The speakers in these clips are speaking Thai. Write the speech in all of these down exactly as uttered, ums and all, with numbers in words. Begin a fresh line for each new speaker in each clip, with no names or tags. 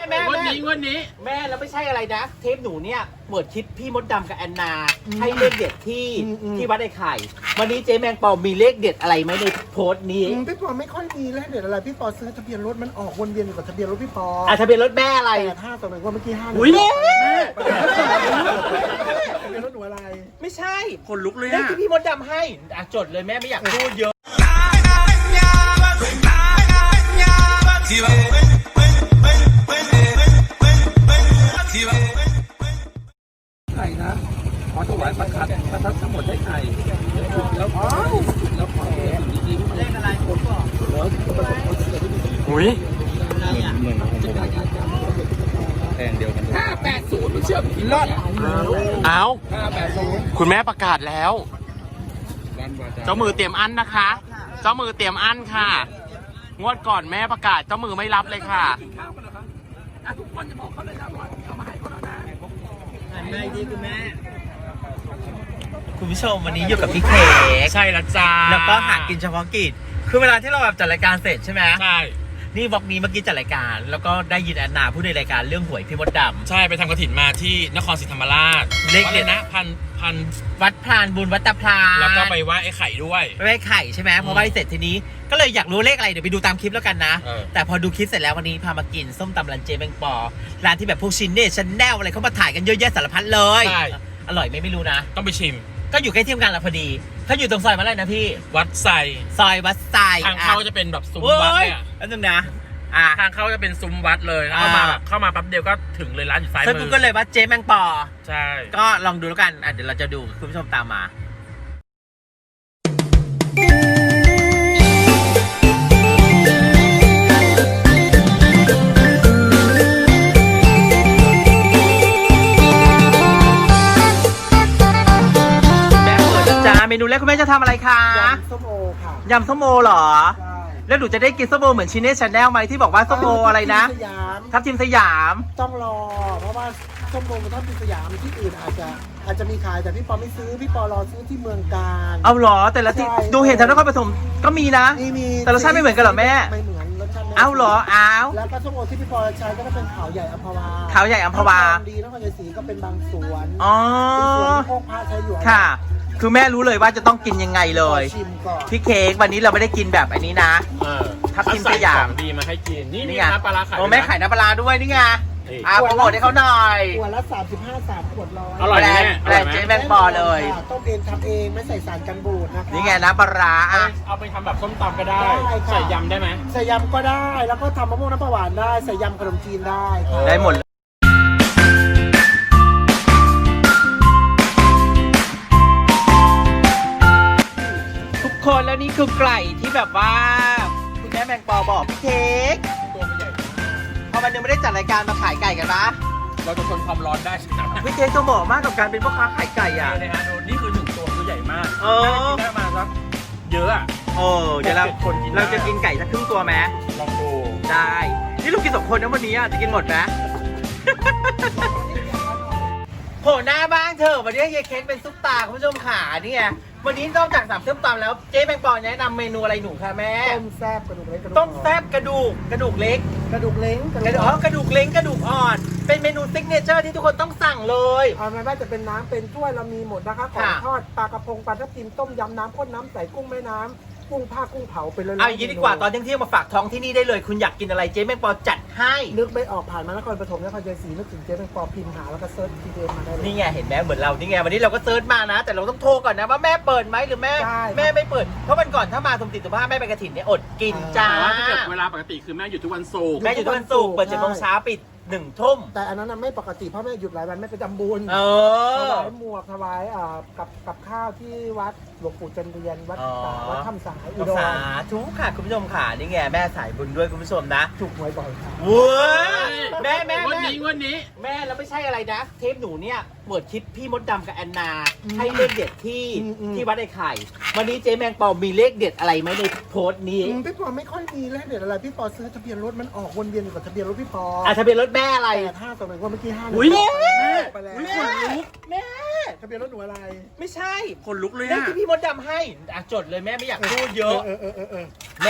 แม่
วันนี้วันนี้
แม่แล้วไม่ใช่อะไรนะเทปหนูเนี่ยเปิดคลิปพี่มดดำกับแอนนาให้เลขเด็ดที่ที่วัดไอ้ไข่วันนี้เจ๊แมงปอมีเลขเด็ดอะไรไหมในโพสต์นี้
พี่ปอไม่ค่อยมีเลขเด็ดอะไรพี่ปอซื้อทะเบียนรถมันออกวนเวียนอยู่กับทะเบียนรถพี่ปอ
อ่ะทะเบียนรถแม่อะไร
แปดห้าต่อหนึ่งว่าเมื่อกี้ห้า
อุ้ยแม่
ทะเบียนรถหนูอะไร
ไม่ใช่
คนลุกเลย
เลข
อะ
ที่พี่มดดำให้อ่ะจดเลยแม่ไม่อยากพูดเยอะ
ไข่นะขอถวายประทัดประทัดทั้งหมดให้ไข่แล้วแล้วขอดีๆเลขอะไรผมบอกอุ้ยแทงเดียวกันห้าแปดศูนย์ไม่เชื่อพี่รอดเอาห้าแปดศูนย์คุณแม่ประกาศแล้วเจ้ามือเตรียมอันนะคะเจ้ามือเตรียมอันค่ะงวดก่อนแม่ประกาศเจ้ามือไม่รับเลยค่ะทุกคนจะบอกเขาเลยนะว่าเขามาให้คนละนะ
แม่ดีคุณแม่คุณผู้ชมวันนี้อยู่กับพี่เค้ก
ใช่ละจ้า
แล้วก็หากินเฉพาะกิจคือเวลาที่เราแบบจัดรายการเสร็จใช่ไหม
ใช่
นี่วอกนี้เมื่อกี้จัดรายการแล้วก็ได้ยินแอนนาพูดในรายการเรื่องหวยพี่มดดำ
ใช่ไปทำกฐินมาที่นครศรีธรรมราช
เลขเด็ด
นะพันพัน
วัดพลานบุญวัดตะพลาน
แล้วก็ไปไหว้ไอ้ไข่ด้วย
ไปไหว้ไข่ใช่ไหมพอไหว้เสร็จทีนี้ก็เลยอยากรู้เลขอะไรเดี๋ยวไปดูตามคลิปแล้วกันนะแต่พอดูคลิปเสร็จแล้ววันนี้พามากินส้มตำร้านเจแมงปอร้านที่แบบพวกชินเน่ชันแนลอะไรเขามาถ่ายกันเยอะแยะสารพัดเลยอร่อยไหมไม่รู้นะ
ต้องไปชิม
ก็อยู่ใกล้ที่ทำงานเราพอดีเขาอยู่ตรงซอยมาเลยนะพี่
วัดไซ
ซอยวัดไซ
ทางเข้าจะเป็นแบบซุ้มวัดเนี่ย
แล้วนึงนะอ่า
ทางเข้าจะเป็นซุ้มวัดเลยเข้ามาแบบเข้ามาแป๊บเดียวก็ถึงเลยร้านอยู่ซ้ายมือ
เซิร์ชก็เลยว่าเจแมงปอ
ใช่
ก็ลองดูแล้วกันอ่ะเดี๋ยวเราจะดูคุณผู้ชมตามมาเมนูแรกคุณแม่จะทำอะไรคะ
ยำส้มโอค่ะ
ยำส้มโอเหรอใช่แล้วหนูจะได้กินส้มโอเหมือนชินเน่ชาแนลไหมที่บอกว่าส้มโออะไรนะทับทิมสยาม
ต้องรอเพราะว่าส้มโอทับทิมสยามที่อื่นอาจจะอาจจะมีขายแต่พี่ปอไม่ซื้อพี่ปอรอซื้อที่เมืองการ
เอาเหรอแต่ละที่ดูเห็นทางนครปฐมก็มีนะ
มี
แต่รสชาติไม่เหมือนกันเหรอแม่
ไม่เหมือนรสชาติ
เอาเหรอเอา
แล้วก็ส้มโอที่พี่ปอใช้ก็จะเป็นขาวใหญ่อัมพวา
ขาวใหญ่อัมพวา
ดีนครชัยศรีก็เป็นบางสวน
อ๋อ
สวนพวกพระใช้อยู่
ค่ะคือแม่รู้เลยว่าจะต้องกินยังไงเลยพี่เค้กวันนี้เราไม่ได้กินแบบอันนี้นะทับทิมสยาม
ดีมาให้กินนี่
นี่
ไงน้ำปลาขาย
โอ้แม่ขายน้ำปลาด้วยนี่ไงอ่ะโปรโมทให้เขาหน่อย
ขวดละสามสิบห้าสามขวดร้อย
อร่อยแม่
แบรนด์เจ๊แมงปอเลย
ต้มเองทำเองไม่ใส่สารกันบูดนะคะ
นี่ไงน้ำปลาอ่ะ
เอาไปทำแบบส้มตำก็ได้ใส่ยำได้ไหม
ใส่ยำก็ได้แล้วก็ทำมะม่วงน้ำปลาหวานได้ใส่ยำขนมจีนได้
ได้หมดคนแล้วนี่คือไก่ที่แบบว่าคุณแม่แมงปอบอกพี่เค้ก
ตัวมันใหญ่
พอมันยังไม่ได้จัดรายการมาขายไก่กันปะ
เราจะทนความร้อนได้ใช่ไหม
พี่เค้กจะบอกมากกับการเป็นพ่อค้าขายไก่อ่ะ
นี่ฮะนี่คือหนึ่งตัวตัวใหญ่มาก
เออ
ได้มาสักเยอะอ่ะ
เออเดี๋ยวเราเราจะกินไก่สักครึ่งตัวไหม
ลองดู
ได้นี่เรากินสองคนนะวันนี้จะกินหมดไหมโผล่หน้าบ้างเถอะวันนี้เยเค้กเป็นซุปตาคุณผู้ชมขานี่ไงวันนี้นอกจากสามส้มตำแล้วเจ๊แมงปอแนะนำเมนูอะไรหนูคะแม่
ต้มแซ่บกระดูกเล็ก
ต้มแซ่บกระดูกกระดูกเล็ก
กระดูกเล้ง
กระดูกอ๋อกระดูกเล้งกระดูกอ่อนเป็นเมนูซิกเนเจอร์ที่ทุกคนต้องสั่งเลย
เอาไม่ว่าจะเป็นน้ำเป็นถ้วยเรามีหมดนะคะของทอดปลากระพงปลาทับทิมต้มยำน้ำข้นน้ำใสกุ้งแม่น้ำกุ้งผ้ากุ้งเผาไปเลย
เอาอย่างนี้ดีกว่าตอนเที่ยงๆมาฝากท้องที่นี่ได้เลยคุณอยากกินอะไรเจ๊แมงปอจัดให้
นึกไม่ออกผ่านมานครปฐมนครชัยศรีนึกถึงเจ๊แมงปอพิมพ์หาแล้วก็เซิร์ชทีเดียวมาได้เลย
นี่ไงเห็นไหมเหมือนเรานี่ไงวันนี้เราก็เซิร์ชมานะแต่เราต้องโทรก่อนนะว่าแม่เปิดไหมหรือแม่แม่ไม่เปิดเพราะวันก่อนถ้ามาสมติสุภาพแม่ไปกระถิ่นเนี่ยอดกินจ้า
ถ้าเกิดเวลาปกติคือแม่อยู่ทุกวันศุกร์
แม่อยู่ทุกวันศุกร์เปิดเจ็ดโมงเช้าปิดหนึ่งทุ่ม
แต่อันนั้นไม่ปกติเพราะแม่หยุดหลายวันแม่ไปทำบุญ
เอ
อถวายหมวกถวายอ่ากับกับข้าวที่วัดหลวงปู่จันเรียนวัดวัดถ้ำสายอุดร
สาธุค่ะคุณผู้ชมค่ะนี่ไงแม่สายบุญด้วยคุณผู้ชมนะ
ถูกหวยบ่อยค่ะ
ว้ยแม่แม่
วันนี้วันนี้
แม่แล้วไม่ใช่อะไรนะเทปหนูเนี่ยเปิดคลิปพี่มดดำกับแอนนาให้เลขเด็ดที่ที่วัดไอ้ไข่วันนี้เจ๊แมงปอมีเลขเด็ดอะไรไหมในโพสต์นี้
พี่ปอไม่ค่อยมีเลขเด็ดอะไรพี่ปอซื้อทะเบียนรถมันออกวนเวียนอยู่กับทะเบียนรถพี่ปอ
อ่ะทะเบียนรถแม่อะไร
แปดห้าต่อหนึ่งว่าเมื่อกี้ห้า
อุ้ยแม่
ไปแล้ว
อุ้ยคนลุกแม่
ทะเบียนรถหนูอะไร
ไม่ใช่
คนลุกเลย
เลขที่พี่มดดำให้อ่ะจดเลยแม่ไม่อยากพูดเยอะ
เออเออเออ
แม่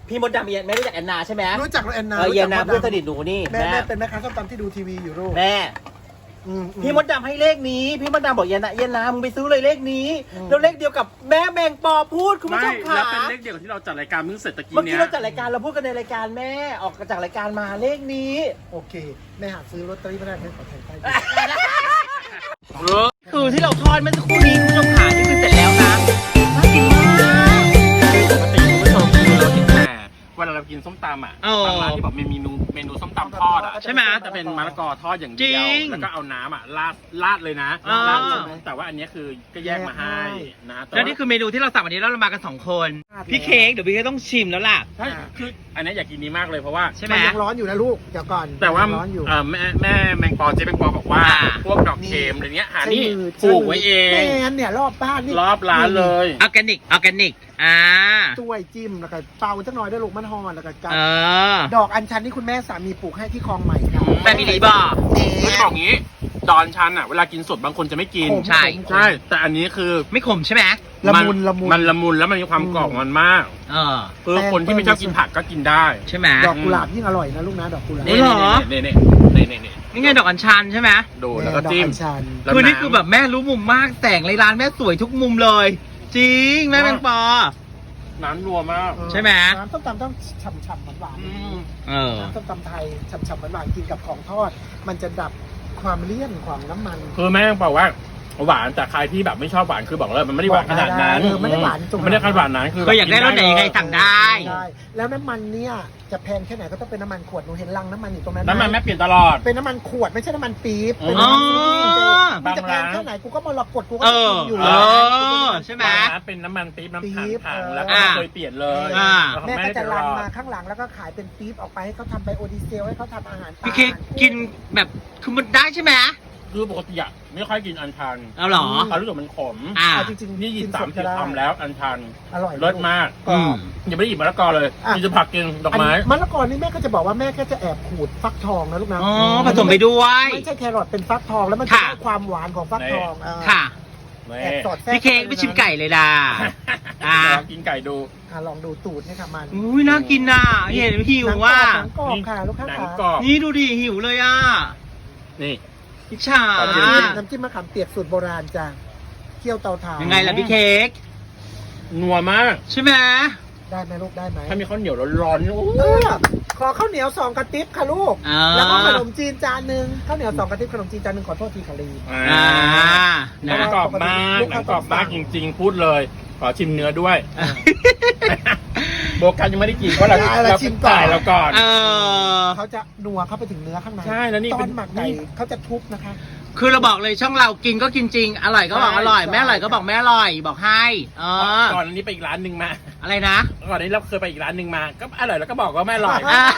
พี่มดดำแม่รู้จักแอนนาใช่ไหม
รู้จักแอนนา
เออ
รู้
แอ
จัก
นนา
ดำ
เพื่อนสนิทหนูนี่
แม่
แม่
แม่เป็นแม่ค้าส้มตำที่ดูทีวีอยู่ลูก
แม่
อืมอืม
พี่มดดำให้เลขนี้พี่มดดำบอกแอนนาแอนนามึงไปซื้อเลยเลขนี้
อืม
แล้วเลขเดียวกับแม่แมงปอพูดคุณผู้
ไม่
ชมค่ะ
แล้วเป็นเลขเดียวกับที่เราจัดรายการเพิ่งเสร็จตะกี้
เมื่อ
เนี้
กี้
ย
เราจัดรายการเราพูดกันในรายการแม่ออกจากรายการมาเลขนี้
โอเคแม่หาซื้อลอตเตอรี่ไม่ได้แม่ขอแทนไป
เออ
คือที่เราทอดเมื่อสักครู่นี้คุณผู้ชมขาที่คือเสร็จแล้วนะน่ากินมาก
ปกติคุณผู้ชมคือเราเห็นแต่เวลาเรากินส้มตำอ่ะ
เออ
บางร้านที่บอกมีเมนูเมนูส้มตำทอดอ่ะ
ใช่ไหม
จะเป็นมะละกอทอดอย่างเดียว
จริง
แล้วก็เอาน้ำอ่ะราดราดเลยนะ
อ่า
ราดเลยแต่ว่าอันเนี้ยคือก็แยกมาให้นะต่า
แล้วนี่คือเมนูที่เราสั่งวันนี้แล้วเรามากันสองคน พี่เค้กเดี๋ยวพี่เค้กต้องชิมแล้วล่ะ
ใช่คืออันเนี้ยอยากกินนี้มากเลยเพราะว่า
ใช่ไหม
มันยังร้อนอยู่นะลูกเดี๋ยวก่อน
แต่ว่า
ยังร้อนอยู่
เอ่อแม่แม่แมงปอเจ๊แมงปอบอกว่า
อ่า
พวกดอกเค็มอะไรเงี้ยหา
ใช้
นี่
มือ
ปลูกไว้เอง
แม่นเนี่ยรอบบ้านนี่
รอบร้านเลย
ออร์แกนิกออร์แกนิกอ่า
ต้วยจิ้มแล้วก็เป่าจักหน่อยด้วยลูกมันหอนแล้วก็กัด
เออ
ดอกอัญชันที่คุณแม่สามีปลูกให้ที่คลองใหม่ครับ
แม่พี่ลีบอก
คือบอกงี้ดอนชันอ่ะเวลากินสดบางคนจะไม่กิน
ขม
ใช่
ขม
ใช่ แต่อันนี้คือ
ไม่ขมใช่ไหม
ละมุนละมุน
มันละมุนแล้วมันมีความกรอบของมันมาก
เออ
คือคนที่ไม่ชอบกินผักก็กินได้
ใช่ไหม
ดอกกุหลาบยิ่งอร่อยนะลูกนะดอกกุหลาบ
นี่เหรอ
นี่นี่นี่นี่นี่
นี่ไงดอกอัญชันใช่ไหม
ดูแล้วก็จิ้ม
ดออัญชัน
แล้ว
คือนี่
ำ
คือแบบแม่รู้มุมมากแสงในร้านแม่สวยทุกมุมเลย จริงแม่แมงปอ
น้ำนัวมาก
ใช่ไหม
น้ำส้มตำต้องฉ่ำๆหวาน
อืม
เออ
ๆน้ำส้มตำไทยฉ่ำๆหวานๆกินกับของทอด มันจะดับความเลี่ยนความน้ำมัน
คือแม่บอกว่าหวานแต่ใครที่แบบไม่ชอบหวานคือบอกเลยมันไม่ได้หวานขนาดนั้น
เออไม่ได้หวานจน
ไม่ได้ขนาดหวานนั้นคือ
ก็อยากได้รสไหนยังไงสั่งได้
ใช่แล้วน้ำมันเนี่ยจะแพงแค่ไหนก็ต้องเป็นน้ำมันขวดหนูเห็นลังน้ำมันอยู่ตรงนั้นไห
น้ำมันแม่เปลี่ยนตลอด
เป็นน้ำมันขวดไม่ใช่น้ำมันปี๊บเป็น
อ๋อ
น้ำมันปี๊บมันจะแพงแค่ไหนกูก็มรกตกูก็
เออ
กินอยู่
เอ
แล้ว
อใช่ไหม
นะเป็นน้ำมันปี๊บน้ำ
ปี๊
ถัง
บ
ถัง
เออ
แล้วก็ไม่เคยเปลี่ยนเลย
อ่า
แล้วของ
แม่
แม่
ก็
ได้
จะ
ต
รั
ล
น
อด
มาข้างหลังแล้วก็ขายเป็นปี๊บออกไปให้เขาทำไบโอดีเซลให้เขาทำอาหารปลา
พี่เค้กกินแบบคือมันได้ใช่ไหม
คือปกติอะไม่ค่อยกินอัญชัน
เอาเหรอ
เขารู้สึกมันขม
อ่า
เอาจริงๆ
นี่หยิบ
กิ
สาม
ด
สิบ
ก็ได้
คำแล้วอัญชัน
อร่อย
เลิศมาก
กรอบ
อย่าไม่ได้หยิบมะละกอเลย
อ่ะ
มีจะผักกินดอกไม้
นนี้มะละกอนี่แม่ก็จะบอกว่าแม่ก็จะแอบขูดฟักทองนะลูกนะ
อ๋อผสมไปด้วย
ไม่ใช่แครอทเป็นฟักทองแล้วมันจะ
ค่ะ
ได้ความหวานของฟักทองเออ
ค่ะ
นี่
แอบสอดแทรก
พี่เค้กไปชิมไก่เลยล่ะ อ่า
ลองกินไก่ดู
อ่ะลองดูตูดให้ค่ะมัน
อุ้ยน่ากินน่ะเห็นหิวว่า
หนังกรอบค่ะลูกค้า
หนัง
ค่ะ
กรอบ
นี่ดูดิหิวเลยอ่ะ
นี่
พิชชา
ขอบคุณ
น้ำจิ้มมะขามเปียกสูตรโบราณจ้ะเคี่ยวเตาถ่าน
ยังไงล่ะพี่เค้ก
นัวมาก
ใช่ไหม
ได้ไหมลูกได้ไหม
ถ้ามีข้าวเหนียวร้อนๆโอ้
เออขอข้าวเหนียวสองกระติบค่ะลูก
อ่า
แล้วก็ขนมจีนจานหนึ่งข้าวเหนียวสองกระติบขนมจีนจานหนึ่งขอโทษทีค่ะลี
อ่า
อ่า
ห
นะ
นังกรอบมากหนังกรอบมากจริงๆ พูดเลย ขอชิมเนื้อด้วย โบกัสยังไม่ได้กินเพราะเรา
ได้เรา
เรา
ชิ
ชิ
ม
ม
ก่อน
ก่ายเราก่อน
เออ
เขาจะนัวเข้าไปถึงเนื้อข้างใน
ใช่แล้วนี่
ตอ
เป็น
นหมักไก่
นี่
เขาจะทุบนะคะ
คือเราบอกเลยช่องเรากินก็กินจริง อร่อยก็บอก
ใช่
อร่อยแม่อร่อยก็บอกแม่อร่อยบอกให้เออ
ก่อนอันนี้ไปอีกร้านหนึ่งมา
อะไรนะ
ก่อนอันนี้เราเคยไปอีกร้านหนึ่งมา ก็อร่อยแล้วก็บอกว่าไม่อร่อย
อ่ะ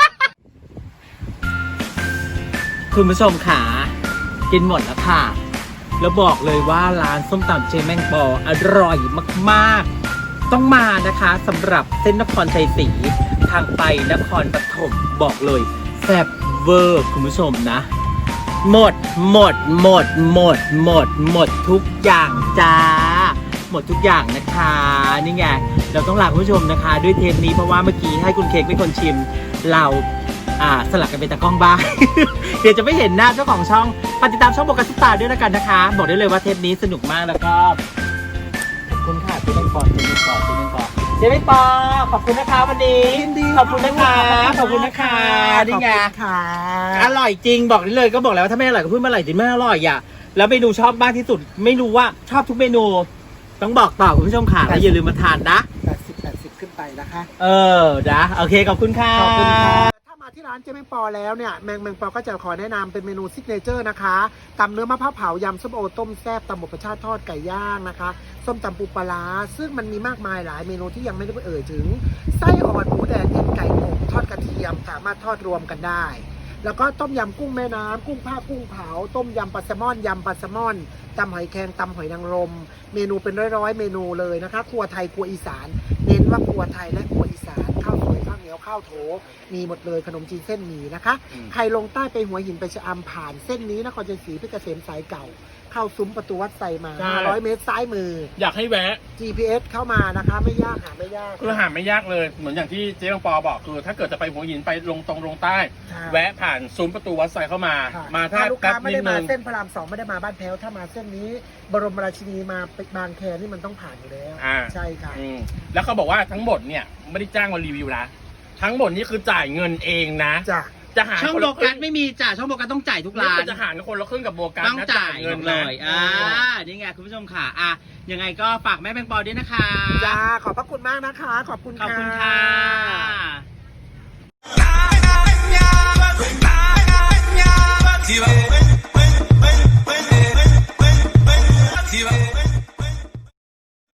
คุณผู้ชมขากินหมดแล้วค่ะ แล้วบอกเลยว่าร้านส้มตำเจแมงปออร่อยมากๆ ต้องมานะคะสำหรับเส้นนครชัยศรีทางไปนครปฐมบอกเลยแซ่บเวอร์คุณผู้ชมนะ หมดหมดหมดหมดหมดหมดทุกอย่างจ้า หมดทุกอย่างนะคะนี่ไงเราต้องลาคุณผู้ชมนะคะ ด้วยเทปนี้เพราะว่าเมื่อกี้ให้คุณเค้กเป็นคนชิมเราอ่าสลับกันเป็นตากล้องบ้าง เดี๋ยวจะไม่เห็นหน้าเจ้าของช่องปฏิดตามช่องโบกัสซุปตาด้วยแล้วกันนะคะ บอกได้เลยว่าเทปนี้สนุกมากแล้วก็ขอบคุณค่ะเจ๊แมงปอเจ๊แมงปอเจ๊แมงปอเจ๊แมงปอขอบคุณนะคะวันนี้
ยินดี
ขอบคุณนะคะขอบคุณนะคะนี่ไง
ขอบคุณค่ะ
อร่อยจริงบอกได้เลยก็บอกแล้วว่าถ้าไม่อร่อยก็พูดไม่อร่อยจริงไม่อร่อยอ่ะแล้วเมนูชอบมากที่สุดไม่รู้ว่าชอบทุกเมนู ต้องบอกต่อคุณผู้ชมค่ะแล้วอย่าลืมมาทานนะ
แปดสิบ แปดสิบขึ้นไปนะคะ
เออนะโอเคขอบคุณค่ะ
ขอบคุณค่ะถ้ามาที่ร้านเจ๊แมงปอแล้วเนี่ยแมงแมงปอก็จะขอแนะนำเป็นเมนูซิกเนเจอร์นะคะตำเนื้อมะพร้าวเผายำส้มโอต้มแซ่บตำหมกกระชาทอดไก่ย่างนะคะส้มตำปูปลาร้าซึ่งมันมีมากมายหลายเมนูที่ยังไม่ได้เอ่ยถึงไส้อ่อนหมูแดดเอ็นไก่อบทอดกระเทียมสามารถทอดรวมกันได้ แล้วก็ต้มยำกุ้งแม่น้ำกุ้งผ้ากุ้งเผาต้มยำปลาแซลมอนยำปลาแซลมอนตำหอยแครงตำหอยนางรมเมนูเป็นร้อยๆเมนูเลยนะคะครัวไทยครัวอีสาน เน้นว่าครัวไทยและครัวอีสานข้าวสวยข้าวเหนียวยวข้าวโถมีหมดเลยขนมจีนเส้นหมี่นะคะ
อืม
ใครลงใต้ไปหัวหินไปชะอำผ่านเส้นนี้นครชัยศรีเพชรเกษมสายเก่า เข้าซุ้มประตูวัดไซมา
ใช่
ห้าร้อยเมตรซ้ายมือ
อยากให้แวะ
จี พี เอส เข้ามานะคะไม่ยากหาไม่ยาก
คือหาไม่ยากเลย เหมือนอย่างที่เจ๊บางปอบอกคือ ถ้าเกิดจะไปหัวหินไปลงตรงลงใต้
ใช่
แวะผ่านซุ้มประตูวัดไซเข้ามา
ค่ะ
มา
ถ้า
ถ้า
ลูก
แป๊บ
ค้าไม่
นิ
ได้
ด
มา
นึง
เส้นพระรามสองไม่ได้มาบ้านแพ้วถ้ามาเส้นนี้ บรมราชินีมาบางแคนี่มันต้องผ่านอยู่แล้ว
อ่า
ใช่ค่ะ
อืมแล้วเขาบอกว่าทั้งหมดเนี่ยไม่ได้จ้างมารีวิวนะทั้งหมดนี่คือจ่ายเงินเองนะ
จ้ะ
จะหาร
ช่อง
คน
โบ
ละค
กั
รึ่
ส
ง
ไม่มีจ้ะช่องโบกัสต้องจ่ายทุก
นี่
ร้า
คื
น
อจะหารคนละครึ่งกับโบกัส
ต้อง
นะ
จ่าย
เงิน
เล
นะ
ยอ่านี่ไงคุณผู้ชมค่ะอ่ะยังไงก็ฝากแม่แบงปอด้วยนะคะ
จ้าขอบพระคุณมากนะคะ ขอบคุณ
ขอบคุณ
ค่ะ
ค่ะ